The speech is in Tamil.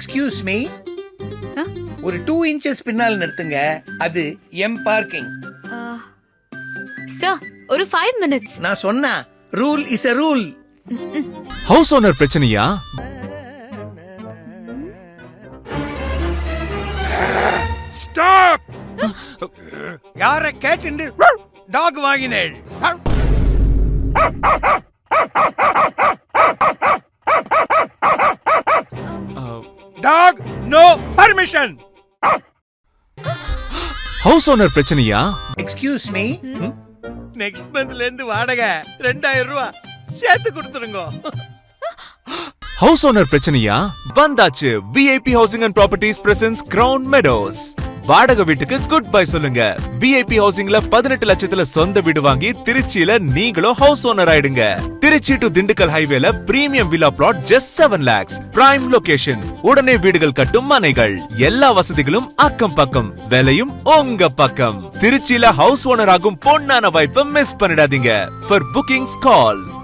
எக்ஸ்கியூஸ் மீ, ஒரு 2 இன்ச்சஸ் பின்னால் நிறுத்துங்க. அது எம் பார்க்கிங். சார் ஒரு 5 minutes. நான் சொன்னா rule is a rule. House owner பிரச்சனையா? ஸ்டாப். யார கேட்டு டாக் வாங்கினேள்? Dog no permission. House owner பிரச்சனையா? எக்ஸ்கியூஸ் மீ, நெக்ஸ்ட் மந்த்ல இருந்து வாடகை 2000 ரூபாய் சேர்த்து கொடுத்துருங்க. ஹவுஸ் ஓனர் பிரச்சனையா? வந்தாச்சு. VIP housing and properties presents crown meadows. வாடகை வீட்டுக்கு குட் பை சொல்லுங்க. விஐபி ஹவுசிங்ல 18 லட்சத்துல சொந்த வீடு வாங்கி திருச்சியில நீங்களும் ஹவுஸ் ஓனர் ஆயிடுங்க. திருச்சி டு திண்டுக்கல் ஹைவேல premium villa plot just 7 lakhs. Prime location. உடனே வீடுகள் கட்டும் மனைகள். எல்லா வசதிகளும் அக்கம் பக்கம். விலையும் உங்க பக்கம். திருச்சியில ஹவுஸ் ஓனர் ஆகும் பொன்னான வாய்ப்பை மிஸ் பண்ணிடாதீங்க. For bookings call